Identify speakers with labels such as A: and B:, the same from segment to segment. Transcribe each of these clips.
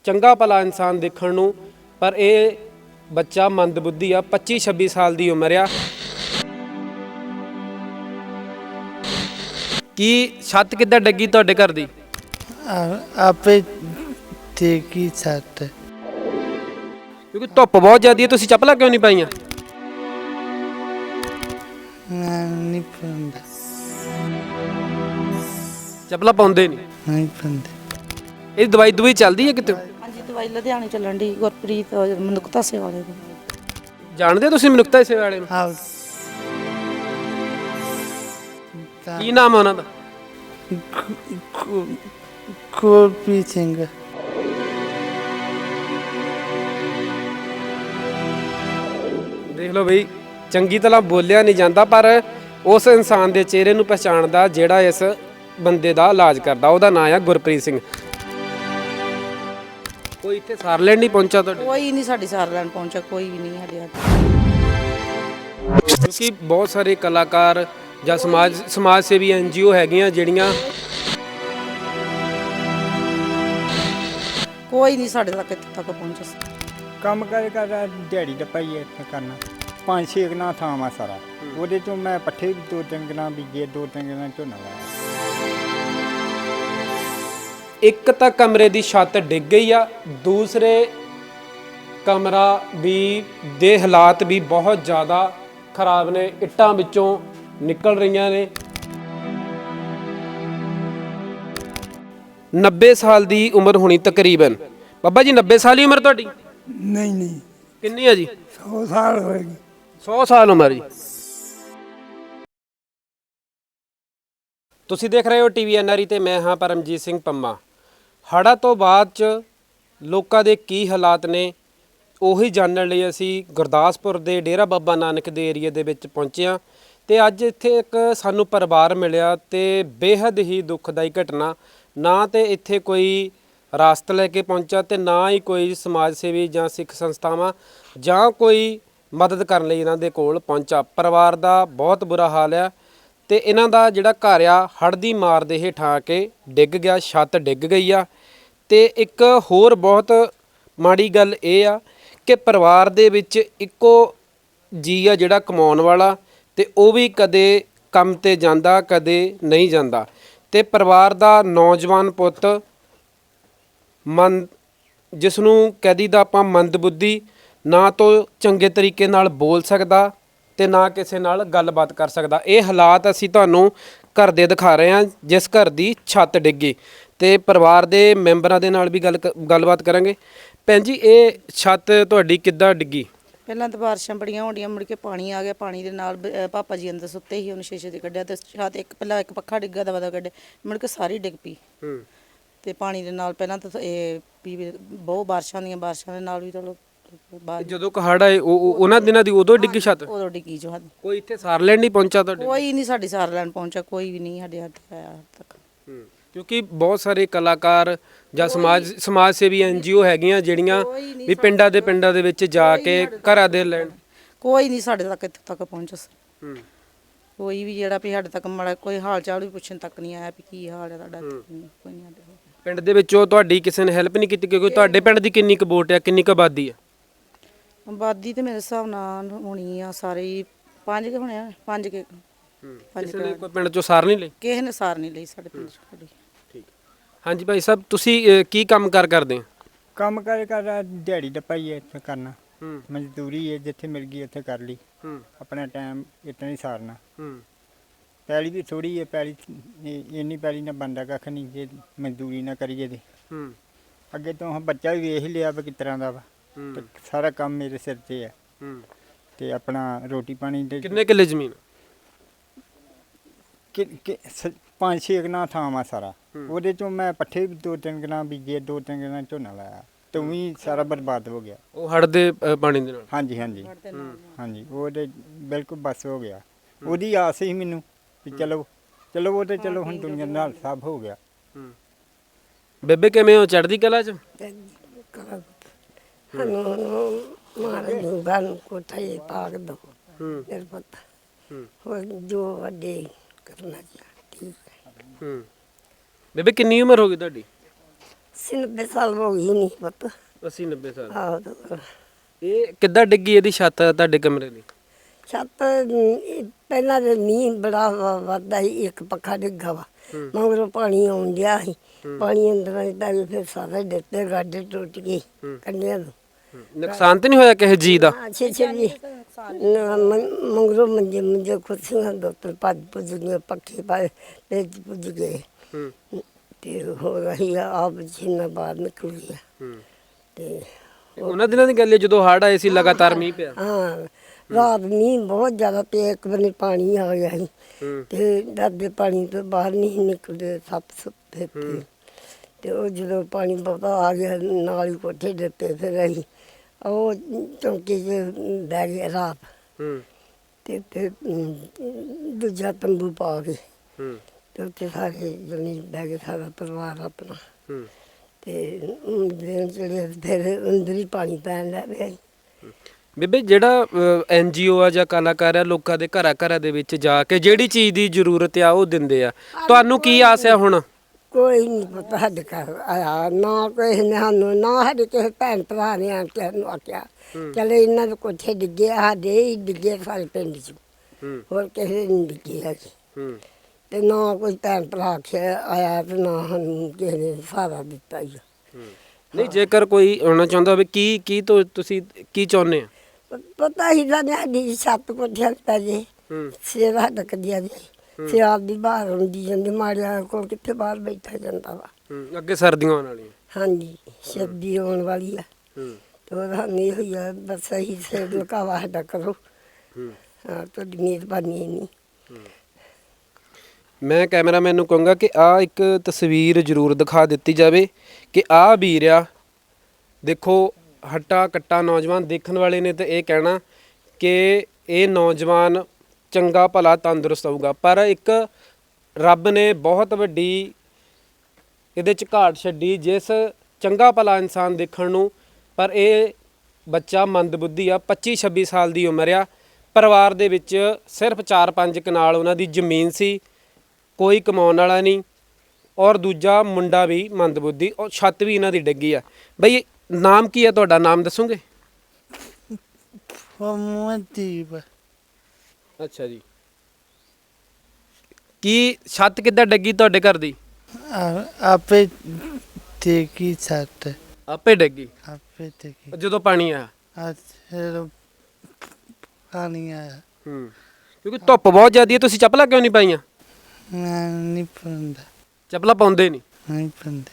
A: ਚੰਗਾ ਭਲਾ ਇਨਸਾਨ ਦੇਖਣ ਨੂੰ, ਪਰ ਇਹ ਬੱਚਾ ਮੰਦਬੁੱਧੀ ਆ। 25-26 ਸਾਲ ਦੀ ਉਮਰ ਆ। ਕੀ ਛੱਤ ਕਿੱਦਾਂ ਡੱਗੀ ਤੁਹਾਡੇ ਘਰ ਦੀ?
B: ਆਪੇ ਠੀਕ ਹੀ ਛੱਤ।
A: ਕਿਉਂਕਿ ਧੁੱਪ ਬਹੁਤ ਜ਼ਿਆਦੀ ਹੈ, ਤੁਸੀਂ ਚੱਪਲਾਂ ਕਿਉਂ ਨਹੀਂ ਪਾਈਆਂ?
B: ਮੈਂ ਨਹੀਂ ਪਾਉਂਦਾ।
A: ਚੱਪਲਾਂ ਪਾਉਂਦੇ ਨਹੀਂ?
B: ਨਹੀਂ ਪਾਉਂਦੇ।
A: ਇਹ ਦਵਾਈ ਚੱਲਦੀ ਹੈ ਕਿਤੇ?
C: ਹਾਂਜੀ, ਦਵਾਈ ਲੁਧਿਆਣੇ ਚੱਲਣ ਦੀ, ਗੁਰਪ੍ਰੀਤ ਮਨੁੱਖਤਾ ਸੇਵਾ ਵਾਲੇ ਦੀ।
A: ਜਾਣਦੇ ਹੋ ਤੁਸੀਂ ਮਨੁੱਖਤਾ ਸੇਵਾ ਵਾਲੇ ਨੂੰ?
B: ਹਾਂ।
A: ਕੀ ਨਾਮ ਹੈ ਉਹਨਾਂ ਦਾ?
B: ਗੁਰਪ੍ਰੀਤ ਸਿੰਘ।
A: ਦੇਖ ਲਓ ਬਈ, ਚੰਗੀ ਤਰ੍ਹਾਂ ਬੋਲਿਆ ਨਹੀਂ ਜਾਂਦਾ, ਪਰ ਉਸ ਇਨਸਾਨ ਦੇ ਚਿਹਰੇ ਨੂੰ ਪਛਾਣਦਾ ਜਿਹੜਾ ਇਸ ਬੰਦੇ ਦਾ ਇਲਾਜ ਕਰਦਾ। ਉਹਦਾ ਨਾਮ ਆ ਗੁਰਪ੍ਰੀਤ ਸਿੰਘ। ਕੋਈ ਇੱਥੇ ਸਾਰ ਲੈਣ ਨਹੀਂ ਪਹੁੰਚਾ ਤੁਹਾਡੇ?
C: ਕੋਈ ਨਹੀਂ ਸਾਡੀ ਸਾਰ ਲੈਣ ਪਹੁੰਚਿਆ, ਕੋਈ ਵੀ ਨਹੀਂ ਸਾਡੇ ਹੱਥ।
A: ਕਿਉਂਕਿ ਬਹੁਤ ਸਾਰੇ ਕਲਾਕਾਰ ਜਾਂ ਸਮਾਜ ਸੇਵੀ NGO ਹੈਗੀਆਂ ਜਿਹੜੀਆਂ
C: ਕੋਈ ਨਹੀਂ ਸਾਡੇ ਤੱਕ ਇੱਥੇ ਤੱਕ ਪਹੁੰਚਿਆ।
D: ਕੰਮ ਕਰ ਦਿਹਾੜੀ ਡੱਪਾ ਹੀ ਇੱਥੇ ਕਰਨਾ। 5-6 ਕਨਾਲ ਥਾਂ ਵਾ ਸਾਰਾ, ਉਹਦੇ ਚੋਂ ਮੈਂ ਪੱਠੇ ਵੀ 2-3 ਕਨਾਲ ਬੀਜੇ, 2-3 ਕਨਾਲ ਝੋਨਾ ਲਾਇਆ।
A: ਇੱਕ ਤਾਂ ਕਮਰੇ ਦੀ ਛੱਤ ਡਿੱਗ ਗਈ ਆ, ਦੂਸਰੇ ਕਮਰਾ ਵੀ ਦੇ ਹਾਲਾਤ ਵੀ ਬਹੁਤ ਜ਼ਿਆਦਾ ਖਰਾਬ ਨੇ, ਇੱਟਾਂ ਵਿੱਚੋਂ ਨਿਕਲ ਰਹੀਆਂ ਨੇ। 90 ਸਾਲ ਦੀ ਉਮਰ ਹੋਣੀ ਤਕਰੀਬਨ। ਬਾਬਾ ਜੀ 90 ਸਾਲ ਦੀ ਉਮਰ ਤੁਹਾਡੀ?
B: ਨਹੀਂ
A: ਕਿੰਨੀ ਹੈ ਜੀ?
B: 100 ਸਾਲ ਹੋਏਗੀ।
A: 100 ਸਾਲ ਉਮਰ ਜੀ। ਤੁਸੀਂ ਦੇਖ ਰਹੇ ਹੋ TV NRE ਤੇ ਮੈਂ ਹਾਂ ਪਰਮਜੀਤ ਸਿੰਘ ਪੰਮਾ। ਹੜ੍ਹਾਂ ਤੋਂ ਬਾਅਦ 'ਚ ਲੋਕਾਂ ਦੇ ਕੀ ਹਾਲਾਤ ਨੇ, ਉਹੀ ਜਾਣਨ ਲਈ ਅਸੀਂ ਗੁਰਦਾਸਪੁਰ ਦੇ ਡੇਰਾ ਬਾਬਾ ਨਾਨਕ ਦੇ ਏਰੀਏ ਦੇ ਵਿੱਚ ਪਹੁੰਚੇ ਹਾਂ। ਤੇ ਅੱਜ ਇੱਥੇ ਇੱਕ ਸਾਨੂੰ ਪਰਿਵਾਰ ਮਿਲਿਆ ਤੇ ਬੇਹੱਦ ਹੀ ਦੁਖਦਾਈ ਘਟਨਾ। ਨਾ ਤੇ ਇੱਥੇ ਕੋਈ ਰਾਸਤ ਲੈ ਕੇ ਪਹੁੰਚਾ ਤੇ ਨਾ ਹੀ ਕੋਈ ਸਮਾਜ ਸੇਵੀ ਜਾਂ ਸਿੱਖ ਸੰਸਥਾਵਾਂ ਜਾਂ ਕੋਈ ਮਦਦ ਕਰਨ ਲਈ ਇਹਨਾਂ ਦੇ ਕੋਲ ਪਹੁੰਚਾ। ਪਰਿਵਾਰ ਦਾ ਬਹੁਤ ਬੁਰਾ ਹਾਲ ਆ ਤੇ ਇਹਨਾਂ ਦਾ ਜਿਹੜਾ ਘਰ ਆ ਹੜ੍ਹ ਦੀ ਮਾਰ ਦੇ ਹੇਠਾਂ ਆ ਕੇ ਡਿੱਗ ਗਿਆ, ਛੱਤ ਡਿੱਗ ਗਈ ਆ। ਤੇ ਇੱਕ ਹੋਰ ਬਹੁਤ ਮਾੜੀ ਗੱਲ ਇਹ ਆ ਕਿ ਪਰਿਵਾਰ ਦੇ ਵਿੱਚ ਇੱਕੋ ਜੀ ਆ ਜਿਹੜਾ ਕਮਾਉਣ ਵਾਲਾ, ਤੇ ਉਹ ਵੀ ਕਦੇ ਕੰਮ ਤੇ ਜਾਂਦਾ ਕਦੇ ਨਹੀਂ ਜਾਂਦਾ। ਤੇ ਪਰਿਵਾਰ ਦਾ ਨੌਜਵਾਨ ਪੁੱਤ ਜਿਸ ਨੂੰ ਕਹਿ ਦਈਦਾ ਆਪਾਂ ਮੰਦਬੁੱਧੀ, ਨਾ ਤੋਂ ਚੰਗੇ ਤਰੀਕੇ ਨਾਲ ਬੋਲ ਸਕਦਾ ਤੇ ਨਾ ਕਿਸੇ ਨਾਲ ਗੱਲਬਾਤ ਕਰ ਸਕਦਾ। ਇਹ ਹਾਲਾਤ ਅਸੀਂ ਤੁਹਾਨੂੰ ਘਰ ਦੇ ਦਿਖਾ ਰਹੇ ਹਾਂ, ਜਿਸ ਘਰ ਦੀ ਛੱਤ ਡਿੱਗੀ। ਤੇ ਪਰਿਵਾਰ ਦੇ ਮੈਂਬਰਾਂ ਦੇ ਨਾਲ ਵੀ ਗੱਲਬਾਤ ਕਰਾਂਗੇ। ਭੈਣ ਜੀ, ਇਹ ਛੱਤ ਤੁਹਾਡੀ ਕਿੱਦਾਂ ਡਿੱਗੀ?
C: ਪਹਿਲਾਂ ਤਾਂ ਬਾਰਿਸ਼ਾਂ ਬੜੀਆਂ ਹੋਣੀਆਂ, ਮੁੜ ਕੇ ਪਾਣੀ ਆ ਗਿਆ। ਪਾਣੀ ਦੇ ਨਾਲ ਪਾਪਾ ਜੀ ਅੰਦਰ ਸੁੱਤੇ ਸੀ, ਉਹਨੂੰ ਸ਼ੀਸ਼ੇ 'ਤੇ ਕੱਢਿਆ ਤੇ ਛੱਤ ਪਹਿਲਾਂ ਇੱਕ ਪੱਖਾ ਡਿੱਗਾ ਦਵਾ ਕੱਢਿਆ, ਮੁੜ ਕੇ ਸਾਰੀ ਡਿੱਗ ਪਈ। ਤੇ ਪਾਣੀ ਦੇ ਨਾਲ ਪਹਿਲਾਂ ਤਾਂ ਇਹ ਵੀ ਬਹੁਤ ਬਾਰਿਸ਼ਾਂ ਦੇ ਨਾਲ ਵੀ ਚਲੋ
A: ਜਦੋਂ ਹੜ੍ਹ ਆਏ ਉਹਨਾਂ ਦਿਨਾਂ ਦੀ ਉਦੋਂ ਡਿੱਗੀ ਛੱਤ?
C: ਉਦੋਂ ਡਿੱਗੀ ਜੋ।
A: ਕੋਈ ਇੱਥੇ ਸਾਰ ਲੈਣ ਨਹੀਂ ਪਹੁੰਚਾ ਤੁਹਾਡੇ?
C: ਕੋਈ ਨਹੀਂ ਸਾਡੀ ਸਾਰ ਲੈਣ ਪਹੁੰਚਿਆ, ਕੋਈ ਵੀ ਨਹੀਂ ਸਾਡੇ ਹੱਥ ਆਇਆ ਹੱਦ ਤੱਕ।
A: ਕਿਉਂਕਿ ਬਹੁਤ ਸਾਰੇ ਕਲਾਕਾਰ ਜਾਂ ਸਮਾਜ ਸੇਵੀ NGO ਹੈਗੀਆਂ ਜਿਹੜੀਆਂ ਵੀ ਪਿੰਡਾਂ ਦੇ ਵਿੱਚ ਜਾ ਕੇ ਘਰਾਂ ਦੇ ਲੈਣ।
C: ਕੋਈ ਨਹੀਂ ਸਾਡੇ ਤੱਕ ਇੱਥੇ ਤੱਕ ਪਹੁੰਚਿਆ। ਕੋਈ ਵੀ ਜਿਹੜਾ ਵੀ ਸਾਡੇ ਤੱਕ ਮਾੜਾ ਕੋਈ ਹਾਲ ਚਾਲ ਵੀ ਪੁੱਛਣ ਤੱਕ ਨਹੀਂ ਆਇਆ ਵੀ ਕੀ ਹਾਲ ਹੈ ਤੁਹਾਡਾ। ਕੋਈ ਨਹੀਂ ਆਇਆ
A: ਪਿੰਡ ਦੇ ਵਿੱਚੋਂ ਤੁਹਾਡੀ ਕਿਸੇ ਨੇ ਹੈਲਪ ਨਹੀਂ ਕੀਤੀ? ਕਿਉਂਕਿ ਤੁਹਾਡੇ ਪਿੰਡ ਦੀ ਕਿੰਨੀ ਕੁ ਵੋਟ ਆ, ਕਿੰਨੀ ਕੁ ਆਬਾਦੀ ਆ?
C: ਆਬਾਦੀ ਤੇ ਮੇਰੇ ਹਿਸਾਬ ਨਾਲ ਹੋਣੀ ਆ ਸਾਰੇ 5 ਕੇ ਹੋਣੇ ਆ, 5 ਕੇ।
A: ਕਿਸੇ ਨੇ ਕੋਈ ਪਿੰਡ ਚੋਂ ਸਾਰ ਨਹੀਂ ਲਈ?
C: ਕਿਸੇ ਨੇ ਸਾਰ ਨਹੀਂ ਲਈ ਸਾਡੇ ਪਿੰਡ ਚ।
A: ਠੀਕ। ਹਾਂਜੀ ਭਾਈ ਸਾਹਿਬ, ਤੁਸੀਂ ਕੀ ਕੰਮ ਕਰਦੇ ਹੋ?
D: ਕੰਮ ਕਰ ਦਿਹਾੜੀ ਡੱਪਾ ਹੀ ਇੱਥੇ ਕਰਨਾ। ਮਜ਼ਦੂਰੀ ਹੈ, ਜਿੱਥੇ ਮਿਲ ਗਈ ਉੱਥੇ ਕਰ ਲਈ। ਆਪਣਾ ਟਾਈਮ ਇਤਨਾ ਹੀ ਸਾਰਨਾ। ਪੈਲੀ ਵੀ ਥੋੜੀ ਹੈ, ਪੈਲੀ ਇੰਨੀ ਪੈਲੀ ਨਾ ਬਣਦਾ ਕੱਖ ਨਹੀਂ ਜੇ ਮਜ਼ਦੂਰੀ ਨਾ ਕਰੀਏ ਤੇ। ਅੱਗੇ ਤੋਂ ਬੱਚਾ ਵੀ ਵੇਖ ਹੀ ਲਿਆ ਵੀ ਕਿਸ ਤਰ੍ਹਾਂ ਦਾ ਵਾ। ਤੇ ਸਾਰਾ ਕੰਮ ਮੇਰੇ ਸਿਰ 'ਤੇ ਹੈ। ਤੇ ਆਪਣਾ ਰੋਟੀ ਪਾਣੀ ਦੇ।
A: ਕਿੰਨੇ ਕਿੱਲੇ ਜ਼ਮੀਨ?
D: 5-6 ਕਨਾਲ ਥਾਂ ਵਾ ਸਾਰਾ, ਉਹਦੇ ਚੋਂ ਮੈਂ ਪੱਠੇ ਵੀ 2-3 ਕਨਾਲ ਬੀਜੇ, 2-3 ਕਨਾਲ ਝੋਨਾ ਲਾਇਆ। ਤੇ ਵੀ ਸਾਰਾ ਬਰਬਾਦ ਹੋ ਗਿਆ
A: ਉਹ ਹੜ੍ਹ ਦੇ ਪਾਣੀ ਦੇ ਨਾਲ?
D: ਹਾਂਜੀ ਉਹ ਤੇ ਬਿਲਕੁਲ ਬਸ ਹੋ ਗਿਆ। ਉਹਦੀ ਆਸ ਸੀ ਮੈਨੂੰ ਵੀ ਚਲੋ ਉਹ ਤੇ ਚਲੋ ਹੁਣ ਦੁਨੀਆ ਨਾਲ ਸਭ ਹੋ ਗਿਆ।
A: ਬੇਬੇ ਕਿਵੇਂ ਹੋ? ਚੜ੍ਹਦੀ ਕਲਾ 'ਚ?
E: ਮਹਾਰਾਜ ਨੂੰ ਗਾਂ ਕੋਠੇ ਪਾਕ ਦੋ ਫਿਰ ਪਤਾ ਹੋਰ ਜੋ ਵੱਡੇ ਕਰਨਾ ਠੀਕ ਹੈ।
A: ਬੇਬੇ ਕਿੰਨੀ ਉਮਰ ਹੋ ਗਈ ਤੁਹਾਡੀ?
E: 90 ਸਾਲ ਹੋ ਗਈ ਨਹੀਂ ਪੁੱਤ
A: 80 90 ਸਾਲ
E: ਆਹ
A: ਇਹ ਕਿੱਦਾਂ ਡਿੱਗੀ ਇਹਦੀ ਛੱਤ ਤੁਹਾਡੇ ਕਮਰੇ ਦੀ?
E: ਛੱਤ ਪਹਿਲਾਂ ਤੇ ਮੀਂਹ ਬੜਾ ਵੱਧਦਾ ਸੀ, ਇੱਕ ਪੱਖਾ ਡਿੱਗਾ ਵਾ ਮਗਰੋਂ ਪਾਣੀ ਆਉਣ ਡਿਆ ਸੀ, ਪਾਣੀ ਅੰਦਰ ਆਇਆ ਫਿਰ ਸਾਰੇ ਡਿੱਤੇ ਗਾਡੇ ਟੁੱਟ ਗਏ ਕੰਡਿਆਂ ਨੂੰ।
A: ਨੁਕਸਾਨ ਤੇ ਨਹੀਂ ਹੋਇਆ ਕਿਸੇ ਜੀ ਦਾ?
E: ਅੱਛੇ ਜੀ ਮਗਰੋਂ ਮੰਜੇ ਕੁਰਸੀਆਂ ਦੋ ਤਿੰਨ ਭੱਜ ਭੁੱਜ ਗਏ, ਪੱਖੇ ਪਾਏ ਭੇਜ ਭੁੱਜ ਗਏ ਤੇ ਹੋ ਰਹੀ ਆ ਆਪ ਛਿੰਨਾ ਬਾਹਰ ਨਿਕਲ ਗਿਆ ਤੇ
A: ਉਹਨਾਂ ਦਿਨਾਂ ਦੀ ਗੱਲ ਹੈ ਜਦੋਂ ਹੜ੍ਹ ਆਏ ਸੀ, ਲਗਾਤਾਰ ਮੀਂਹ ਪਿਆ।
E: ਹਾਂ ਰਾਤ ਮੀਂਹ ਬਹੁਤ ਜ਼ਿਆਦਾ ਪਿਆ, ਇੱਕ ਬੰਨੇ ਪਾਣੀ ਆ ਗਿਆ ਸੀ ਤੇ ਡਰਦੇ ਪਾਣੀ ਤੋਂ ਬਾਹਰ ਨਹੀਂ ਨਿਕਲਦੇ, ਸੱਪ ਸੁੱਤੇ ਤੇ ਉਹ ਜਦੋਂ ਪਾਣੀ ਬਹੁਤਾ ਆ ਗਿਆ ਨਾਲ ਹੀ ਕੋਠੇ ਦਿੱਤੇ, ਫਿਰ ਅਸੀਂ ਉਹ ਚੌਂਕੀ 'ਚ ਬਹਿ ਗਏ ਰਾਤ ਤੇ ਦੂਜਾ ਤੰਬੂ ਪਾ ਕੇ ਤੇ ਉੱਥੇ ਸਾਰੇ ਜਣੇ ਬਹਿ ਗਏ, ਸਾਰਾ ਪਰਿਵਾਰ ਆਪਣਾ ਤੇ ਦਿਨ ਚੜੇ ਫਿਰ ਅੰਦਰ ਹੀ ਪਾਣੀ ਪੈਣ ਲੱਗ ਪਿਆ।
A: ਬੇਬੇ ਜਿਹੜਾ NGO ਆ ਜਾਂ ਕਲਾਕਾਰ ਆ, ਲੋਕਾਂ ਦੇ ਘਰਾਂ ਦੇ ਵਿੱਚ ਜਾ ਕੇ ਜਿਹੜੀ ਚੀਜ਼ ਦੀ ਜ਼ਰੂਰਤ ਆ ਉਹ ਦਿੰਦੇ ਆ, ਤੁਹਾਨੂੰ ਕੀ ਆਸ ਆ ਹੁਣ?
E: ਕੋਈ ਨਹੀਂ ਪਤਾ ਸਾਡੇ ਘਰ ਆਇਆ, ਨਾ ਕੋਈ ਨੇ ਸਾਨੂੰ, ਨਾ ਸਾਡੇ ਕਿਸੇ ਭੈਣ ਭਰਾ ਨੇ ਆਣ ਕੇ ਸਾਨੂੰ ਆਖਿਆ ਚਲੇ ਇਹਨਾਂ ਦੇ ਕੋਠੇ ਡਿੱਗੇ ਆ, ਸਾਡੇ ਹੀ ਡਿੱਗੇ ਸਾਰੇ ਪਿੰਡ 'ਚ, ਹੋਰ ਕਿਸੇ ਨਹੀਂ ਡਿੱਗੇ ਹੈਗੇ ਤੇ ਨਾ ਕੋਈ ਭੈਣ ਭਰਾ ਆਖਿਆ ਆਇਆ ਤੇ ਨਾ ਸਾਨੂੰ ਕਿਸੇ ਨੇ ਸਹਾਰਾ ਦਿੱਤਾ ਹੀ।
A: ਨਹੀਂ, ਜੇਕਰ ਕੋਈ ਆਉਣਾ ਚਾਹੁੰਦਾ ਹੋਵੇ ਕੀ ਤੁਸੀਂ ਕੀ ਚਾਹੁੰਦੇ ਆ?
E: ਪਤਾ ਹੀ ਤਾਂ ਸਾਡੀ ਛੱਤ ਕੋਠਿਆਂ ਤੇ ਜੇ ਸਿਰ ਸਾਡਾ ਕੱਢਿਆ ਜੇ ਸਿਆਲ ਦੀ ਬਾਹਰ ਹੁੰਦੀ ਜਾਂਦੀ, ਮਾੜਿਆ ਕੋਲ ਕਿੱਥੇ ਬਾਹਰ ਬੈਠਾ ਜਾਂਦਾ ਵਾ।
A: ਅੱਗੇ ਸਰਦੀਆਂ ਆਉਣ ਵਾਲੀਆਂ।
E: ਹਾਂਜੀ ਸਰਦੀ ਆਉਣ ਵਾਲੀ ਆ ਤੇ ਉਹ ਸਾਨੂੰ ਇਹੋ ਹੀ ਆ, ਬਸ ਸਹੀ ਸਿਰ ਲੁਕਾਵਾ ਸਾਡਾ ਕਰੋ। ਹਾਂ ਤੁਹਾਡੀ ਮਿਹਰਬਾਨੀ ਇੰਨੀ।
A: ਮੈਂ ਕੈਮਰਾਮੈਨ ਨੂੰ ਕਹੂੰਗਾ ਕਿ ਆਹ ਇੱਕ ਤਸਵੀਰ ਜ਼ਰੂਰ ਦਿਖਾ ਦਿੱਤੀ ਜਾਵੇ ਕਿ ਆਹ ਵੀਰ ਆ, ਦੇਖੋ ਹੱਟਾ ਕੱਟਾ ਨੌਜਵਾਨ ਦੇਖਣ ਵਾਲੇ ਨੇ ਤੇ ਇਹ ਕਹਿਣਾ ਕਿ ਇਹ ਨੌਜਵਾਨ ਚੰਗਾ ਭਲਾ ਤੰਦਰੁਸਤ ਹੋਊਗਾ, ਪਰ ਇੱਕ ਰੱਬ ਨੇ ਬਹੁਤ ਵੱਡੀ ਇਹਦੇ 'ਚ ਘਾਟ ਛੱਡੀ, ਜਿਸ ਚੰਗਾ ਭਲਾ ਇਨਸਾਨ ਦੇਖਣ ਨੂੰ, ਪਰ ਇਹ ਬੱਚਾ ਮੰਦਬੁੱਧੀ ਆ। 25-26 ਸਾਲ ਦੀ ਉਮਰ ਆ, ਪਰਿਵਾਰ ਦੇ ਵਿੱਚ ਸਿਰਫ 4-5 ਕਨਾਲ ਉਹਨਾਂ ਦੀ ਜ਼ਮੀਨ ਸੀ, ਕੋਈ ਕਮਾਉਣ ਵਾਲਾ ਨਹੀਂ, ਔਰ ਦੂਜਾ ਮੁੰਡਾ ਵੀ ਮੰਦਬੁੱਧੀ, ਔਰ ਛੱਤ ਵੀ ਇਹਨਾਂ ਦੀ ਡਿੱਗੀ ਆ। ਬਈ ਨਾਮ ਕੀ ਹੈ ਤੁਹਾਡਾ, ਨਾਮ ਦੱਸੋਗੇ?
B: ਫਮਦੀਪ
A: ਅੱਛਾ ਜੀ, ਕੀ ਛੱਤ ਕਿੱਦਾਂ ਡਿੱਗੀ ਤੁਹਾਡੇ ਘਰ ਦੀ?
B: ਆਪੇ ਦੇਖੀ ਛੱਤ
A: ਆਪੇ ਡਿੱਗੀ
B: ਆਪੇ ਦੇਖੀ
A: ਜਦੋਂ ਪਾਣੀ ਆਇਆ?
B: ਅੱਜ ਪਾਣੀ ਆਇਆ
A: ਕਿਉਂਕਿ ਧੁੱਪ ਬਹੁਤ ਜ਼ਿਆਦੀ ਹੈ, ਤੁਸੀਂ ਚੱਪਲਾਂ ਕਿਉਂ ਨਹੀਂ ਪਾਈਆਂ?
B: ਮੈਂ ਨਹੀਂ ਪਾਉਂਦਾ,
A: ਚੱਪਲਾਂ ਪਾਉਂਦੇ
B: ਨਹੀਂ ਪਾਉਂਦੇ।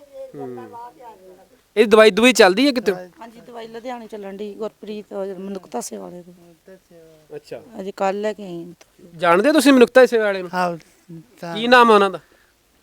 A: ਇਹ ਦਵਾਈ ਚੱਲਦੀ ਹੈ ਕਿਤੇ?
C: ਹਾਂਜੀ ਦਵਾਈ ਲੁਧਿਆਣੇ ਚੱਲਣ ਦੀ, ਗੁਰਪ੍ਰੀਤ ਮਨੁੱਖਤਾ ਸੇਵਾ ਵਾਲੇ ਤੋਂ।
A: ਅੱਛਾ,
C: ਅਜੇ ਕੱਲ ਲੈ ਕੇ ਆਈ ਹਾਂ।
A: ਜਾਣਦੇ ਤੁਸੀਂ ਮਨੁੱਖਤਾ ਸੇਵਾ ਵਾਲੇ ਨੂੰ?
B: ਹਾਂ
A: ਕੀ ਨਾਮ ਹੈ ਉਹਨਾਂ ਦਾ?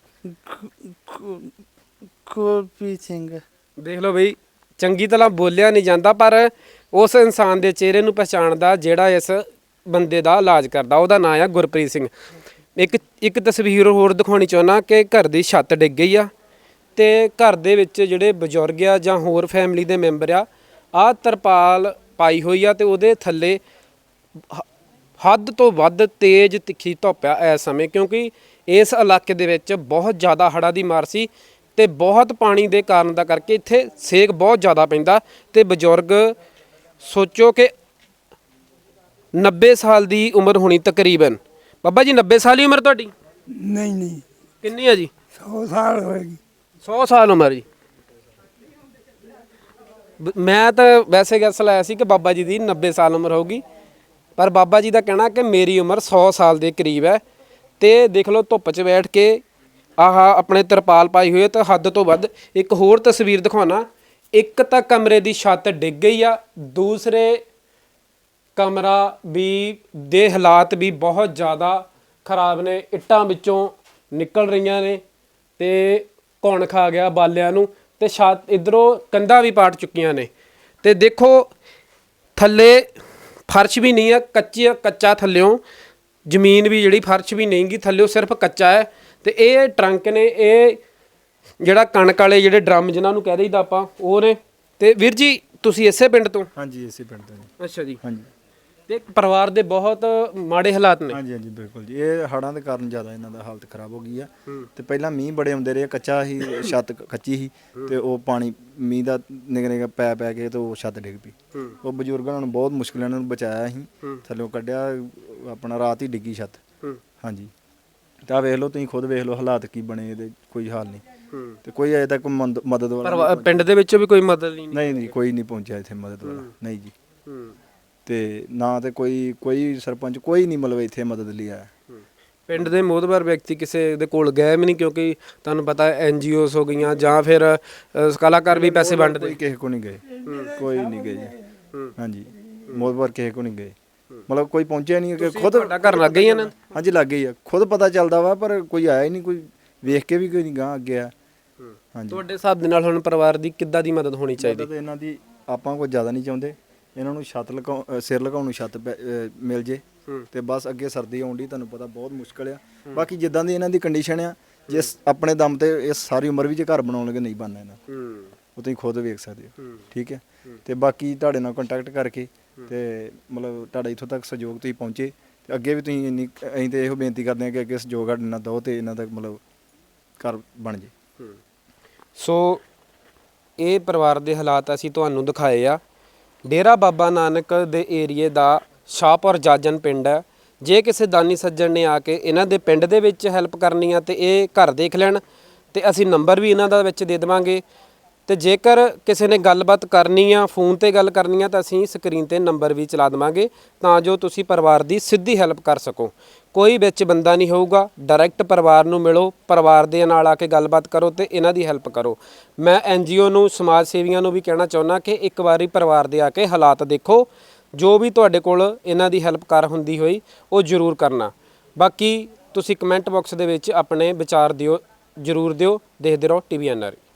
B: ਗੁਰਪ੍ਰੀਤ ਸਿੰਘ।
A: ਦੇਖ ਲਓ ਬਈ, ਚੰਗੀ ਤਰ੍ਹਾਂ ਬੋਲਿਆ ਨਹੀਂ ਜਾਂਦਾ, ਪਰ ਉਸ ਇਨਸਾਨ ਦੇ ਚਿਹਰੇ ਨੂੰ ਪਛਾਣਦਾ ਜਿਹੜਾ ਇਸ ਬੰਦੇ ਦਾ ਇਲਾਜ ਕਰਦਾ। ਉਹਦਾ ਨਾਮ ਆ ਗੁਰਪ੍ਰੀਤ ਸਿੰਘ। ਇੱਕ ਤਸਵੀਰ ਹੋਰ ਦਿਖਾਉਣੀ ਚਾਹੁੰਦਾ ਕਿ ਘਰ ਦੀ ਛੱਤ ਡਿੱਗ ਗਈ ਆ ਤੇ ਘਰ ਦੇ ਵਿੱਚ ਜਿਹੜੇ ਬਜ਼ੁਰਗ ਆ ਜਾਂ ਹੋਰ ਫੈਮਿਲੀ ਦੇ ਮੈਂਬਰ ਆ, ਆਹ ਤਰਪਾਲ ਪਾਈ ਹੋਈ ਆ ਤੇ ਉਹਦੇ ਥੱਲੇ ਹੱਦ ਤੋਂ ਵੱਧ ਤੇਜ਼ ਤਿੱਖੀ ਧੁੱਪ ਆ ਇਸ ਸਮੇਂ, ਕਿਉਂਕਿ ਇਸ ਇਲਾਕੇ ਦੇ ਵਿੱਚ ਬਹੁਤ ਜ਼ਿਆਦਾ ਹੜ੍ਹਾਂ ਦੀ ਮਾਰ ਸੀ ਤੇ ਬਹੁਤ ਪਾਣੀ ਦੇ ਕਾਰਨ ਦਾ ਕਰਕੇ ਇੱਥੇ ਸੇਕ ਬਹੁਤ ਜ਼ਿਆਦਾ ਪੈਂਦਾ ਤੇ ਬਜ਼ੁਰਗ ਸੋਚੋ ਕਿ 90 ਸਾਲ ਦੀ ਉਮਰ ਹੋਣੀ ਤਕਰੀਬਨ। ਬਾਬਾ ਜੀ 90 ਸਾਲ ਦੀ ਉਮਰ ਤੁਹਾਡੀ?
B: ਨਹੀਂ
A: ਕਿੰਨੀ ਆ ਜੀ?
B: 100 ਸਾਲ ਹੋਏਗੀ।
A: 100 ਸਾਲ ਉਮਰ ਜੀ। ਮੈਂ ਤਾਂ ਵੈਸੇ ਗੈਸ ਲਾਇਆ ਸੀ ਕਿ ਬਾਬਾ ਜੀ ਦੀ 90 ਸਾਲ ਉਮਰ ਹੋਊਗੀ, ਪਰ ਬਾਬਾ ਜੀ ਦਾ ਕਹਿਣਾ ਕਿ ਮੇਰੀ ਉਮਰ 100 ਸਾਲ ਦੇ ਕਰੀਬ ਹੈ। ਤੇ ਦੇਖ ਲਓ ਧੁੱਪ 'ਚ ਬੈਠ ਕੇ ਆਹ ਆਪਣੇ ਤਰਪਾਲ ਪਾਈ ਹੋਈ ਹੈ ਤੇ ਹੱਦ ਤੋਂ ਵੱਧ। ਇੱਕ ਹੋਰ ਤਸਵੀਰ ਦਿਖਾਉਣਾ, ਇੱਕ ਤਾਂ ਕਮਰੇ ਦੀ ਛੱਤ ਡਿੱਗ ਗਈ ਆ, ਦੂਸਰੇ ਕਮਰਾ ਵੀ ਦੇ ਹਾਲਾਤ ਵੀ ਬਹੁਤ ਜ਼ਿਆਦਾ ਖਰਾਬ ਨੇ, ਇੱਟਾਂ ਵਿੱਚੋਂ ਨਿਕਲ ਰਹੀਆਂ ਨੇ ਤੇ ਕੌਣ ਖਾ ਗਿਆ ਬਾਲਿਆਂ ਨੂੰ, ਤੇ ਛੱਤ ਇਧਰੋਂ ਕੰਧਾਂ ਵੀ ਪਾਟ ਚੁੱਕੀਆਂ ਨੇ। ਤੇ ਦੇਖੋ ਥੱਲੇ ਫਰਸ਼ ਵੀ ਨਹੀਂ ਹੈ, ਕੱਚਾ ਥੱਲਿਓਂ ਜ਼ਮੀਨ ਵੀ ਜਿਹੜੀ ਫਰਸ਼ ਵੀ ਨਹੀਂ ਗੀ, ਥੱਲਿਓਂ ਸਿਰਫ ਕੱਚਾ ਹੈ। ਤੇ ਇਹ ਟਰੰਕ ਨੇ, ਇਹ ਜਿਹੜਾ ਕਣਕ ਵਾਲੇ ਜਿਹੜੇ ਡਰਮ ਜਿਨ੍ਹਾਂ ਨੂੰ ਕਹਿ ਦਈਦਾ ਆਪਾਂ, ਉਹ ਨੇ। ਤੇ ਵੀਰ ਜੀ ਤੁਸੀਂ ਇਸੇ ਪਿੰਡ ਤੋਂ?
F: ਹਾਂਜੀ ਇਸੇ ਪਿੰਡ ਤੋਂ ਜੀ।
A: ਅੱਛਾ ਜੀ।
F: ਹਾਂਜੀ
A: ਤੇ ਪਰਿਵਾਰ ਦੇ ਬਹੁਤ ਮਾੜੇ ਹਾਲਾਤ ਨੇ।
F: ਹਾਂਜੀ ਹਾਂਜੀ ਬਿਲਕੁਲ ਜੀ, ਇਹ ਹੜ੍ਹਾਂ ਦੇ ਕਾਰਨ ਜ਼ਿਆਦਾ ਇਹਨਾਂ ਦਾ ਹਾਲਤ ਖਰਾਬ ਹੋ ਗਈ ਆ। ਤੇ ਪਹਿਲਾਂ ਮੀਂਹ ਬੜੇ ਆਉਂਦੇ ਰਹੇ, ਕੱਚਾ ਹੀ ਛੱਤ ਕੱਚੀ ਸੀ ਤੇ ਉਹ ਪਾਣੀ ਮੀਂਹ ਦਾ ਨਿੱਘ ਨਿੱਘ ਪੈ ਕੇ ਤੇ ਉਹ ਛੱਤ ਡਿੱਗ ਪਈ। ਉਹ ਬਜ਼ੁਰਗਾਂ ਨੂੰ ਬਹੁਤ ਮੁਸ਼ਕਿਲ ਇਹਨਾਂ ਨੂੰ ਬਚਾਇਆ ਸੀ, ਥੱਲੋਂ ਕੱਢਿਆ, ਆਪਣਾ ਰਾਤ ਹੀ ਡਿੱਗੀ ਛੱਤ। ਹਾਂਜੀ, ਤਾਂ ਵੇਖ ਲਓ ਤੁਸੀਂ ਖੁਦ ਵੇਖ ਲਓ ਹਾਲਾਤ ਕੀ ਬਣੇ, ਇਹਦੇ ਕੋਈ ਹਾਲ ਨਹੀਂ ਤੇ ਕੋਈ ਅਜੇ ਤੱਕ ਮਦਦ ਵਾਲਾ
A: ਪਿੰਡ ਦੇ ਵਿੱਚੋਂ ਵੀ ਕੋਈ ਮਦਦ ਨਹੀਂ?
F: ਨਹੀਂ ਨਹੀਂ, ਕੋਈ ਨਹੀਂ ਪਹੁੰਚਿਆ ਇੱਥੇ ਮਦਦ ਵਾਲਾ, ਨਹੀਂ ਜੀ। ਤੇ ਨਾ ਤੇ ਕੋਈ ਸਰਪੰਚ ਕੋਈ ਨਹੀਂ ਮਤਲਬ ਇੱਥੇ ਮਦਦ ਲਈ ਆਇਆ।
A: ਪਿੰਡ ਦੇ ਮੋਹਤਬਰ ਵਿਅਕਤੀ ਕਿਸੇ ਦੇ ਕੋਲ ਗਏ ਵੀ ਨਹੀਂ, ਕਿਉਂਕਿ ਤੁਹਾਨੂੰ ਪਤਾ NGOs ਹੋ ਗਈਆਂ ਜਾਂ ਫਿਰ ਕਲਾਕਾਰ ਵੀ ਪੈਸੇ ਵੰਡਦੇ।
F: ਕੋਈ ਕਿਸੇ ਕੋ ਨਹੀਂ ਗਏ, ਕੋਈ ਨਹੀਂ ਗਏ ਜੀ। ਹਾਂਜੀ, ਮੋਦਵਾਰ ਕਿਸੇ ਕੋ ਨਹੀਂ ਗਏ, ਮਤਲਬ ਕੋਈ ਪਹੁੰਚਿਆ ਨਹੀਂ ਕਿ ਖੁਦ
A: ਤੁਹਾਡਾ ਘਰ ਲੱਗ ਗਈ ਨਾ?
F: ਹਾਂਜੀ ਲੱਗ ਗਈ ਆ, ਖੁਦ ਪਤਾ ਚੱਲਦਾ ਵਾ ਪਰ ਕੋਈ ਆਇਆ ਹੀ ਨਹੀਂ, ਕੋਈ ਵੇਖ ਕੇ ਵੀ ਕੋਈ ਨਹੀਂ ਗਾਂ ਅੱਗੇ ਆ। ਹਾਂਜੀ,
A: ਤੁਹਾਡੇ ਹਿਸਾਬ ਦੇ ਨਾਲ ਹੁਣ ਪਰਿਵਾਰ ਦੀ ਕਿੱਦਾਂ ਦੀ ਮਦਦ ਹੋਣੀ ਚਾਹੀਦੀ?
F: ਮਦਦ ਇਹਨਾਂ ਦੀ ਆਪਾਂ ਕੋਈ ਜ਼ਿਆਦਾ ਨਹੀਂ ਚਾਹੁੰਦੇ, ਇਹਨਾਂ ਨੂੰ ਛੱਤ ਸਿਰ ਲਗਾਉਣ ਨੂੰ ਛੱਤ ਮਿਲ ਜੇ ਤੇ ਬਸ। ਅੱਗੇ ਸਰਦੀ ਆਉਣ ਦੀ ਤੁਹਾਨੂੰ ਪਤਾ ਬਹੁਤ ਮੁਸ਼ਕਲ ਆ। ਬਾਕੀ ਜਿੱਦਾਂ ਦੀ ਇਹਨਾਂ ਦੀ ਕੰਡੀਸ਼ਨ ਆ, ਜਿਸ ਆਪਣੇ ਦਮ ਤੇ ਇਹ ਸਾਰੀ ਉਮਰ ਵੀ ਜੇ ਘਰ ਬਣਾਉਣ ਲੱਗੇ ਨਹੀਂ ਬਣਨਾ ਇਹਨਾਂ, ਉਹ ਤੁਸੀਂ ਖੁਦ ਵੇਖ ਸਕਦੇ ਹੋ। ਠੀਕ ਹੈ, ਤੇ ਬਾਕੀ ਤੁਹਾਡੇ ਨਾਲ ਕੰਟੈਕਟ ਕਰਕੇ ਤੇ ਮਤਲਬ ਤੁਹਾਡਾ ਇੱਥੋਂ ਤੱਕ ਸਹਿਯੋਗ ਤੁਸੀਂ ਪਹੁੰਚੇ ਤੇ ਅੱਗੇ ਵੀ ਤੁਸੀਂ ਇੰਨੀ, ਅਸੀਂ ਤੇ ਇਹੋ ਬੇਨਤੀ ਕਰਦੇ ਹਾਂ ਕਿ ਅੱਗੇ ਸਹਿਯੋਗ ਸਾਡੇ ਨਾਲ ਦਿਓ ਤੇ ਇਹਨਾਂ ਦਾ ਮਤਲਬ ਘਰ ਬਣ ਜੇ।
A: ਸੋ ਇਹ ਪਰਿਵਾਰ ਦੇ ਹਾਲਾਤ ਅਸੀਂ ਤੁਹਾਨੂੰ ਦਿਖਾਏ ਆ। ਡੇਰਾ ਬਾਬਾ ਨਾਨਕ ਦੇ ਏਰੀਏ ਦਾ ਸ਼ਾਹਪੁਰ ਜਾਜਨ ਪਿੰਡ ਹੈ। ਜੇ ਕਿਸੇ ਦਾਨੀ ਸੱਜਣ ਨੇ ਆ ਕੇ ਇਹਨਾਂ ਦੇ ਪਿੰਡ ਦੇ ਵਿੱਚ ਹੈਲਪ ਕਰਨੀ ਆ ਤੇ ਇਹ ਘਰ ਦੇਖ ਲੈਣ ਤੇ ਅਸੀਂ ਨੰਬਰ ਵੀ ਇਹਨਾਂ ਦਾ ਵਿੱਚ ਦੇ ਦੇਵਾਂਗੇ। ਤੇ ਜੇਕਰ ਕਿਸੇ ਨੇ ਗੱਲਬਾਤ ਕਰਨੀ ਆ, ਫੋਨ ਤੇ ਗੱਲ ਕਰਨੀ ਆ, ਤਾਂ ਅਸੀਂ ਸਕਰੀਨ ਤੇ ਨੰਬਰ ਵੀ ਚਲਾ ਦੇਵਾਂਗੇ ਤਾਂ ਜੋ ਤੁਸੀਂ ਪਰਿਵਾਰ ਦੀ ਸਿੱਧੀ ਹੈਲਪ ਕਰ ਸਕੋ। ਕੋਈ ਵਿੱਚ ਬੰਦਾ ਨਹੀਂ ਹੋਊਗਾ, ਡਾਇਰੈਕਟ ਪਰਿਵਾਰ ਨੂੰ ਮਿਲੋ, ਪਰਿਵਾਰ ਦੇ ਨਾਲ ਆ ਕੇ ਗੱਲਬਾਤ ਕਰੋ ਤੇ ਇਹਨਾਂ ਦੀ ਹੈਲਪ ਕਰੋ। ਮੈਂ NGO ਨੂੰ, ਸਮਾਜ ਸੇਵੀਆਂ ਨੂੰ ਵੀ ਕਹਿਣਾ ਚਾਹੁੰਦਾ ਕਿ ਇੱਕ ਵਾਰੀ ਪਰਿਵਾਰ ਦੇ ਆ ਕੇ ਹਾਲਾਤ ਦੇਖੋ, ਜੋ ਵੀ ਤੁਹਾਡੇ ਕੋਲ ਇਹਨਾਂ ਦੀ ਹੈਲਪ ਕਰ ਹੁੰਦੀ ਹੋਈ ਉਹ ਜ਼ਰੂਰ ਕਰਨਾ। ਬਾਕੀ ਤੁਸੀਂ ਕਮੈਂਟ ਬਾਕਸ ਦੇ ਵਿੱਚ ਆਪਣੇ ਵਿਚਾਰ ਦਿਓ, ਜ਼ਰੂਰ ਦਿਓ। ਦੇਖਦੇ ਰਹੋ TVNR।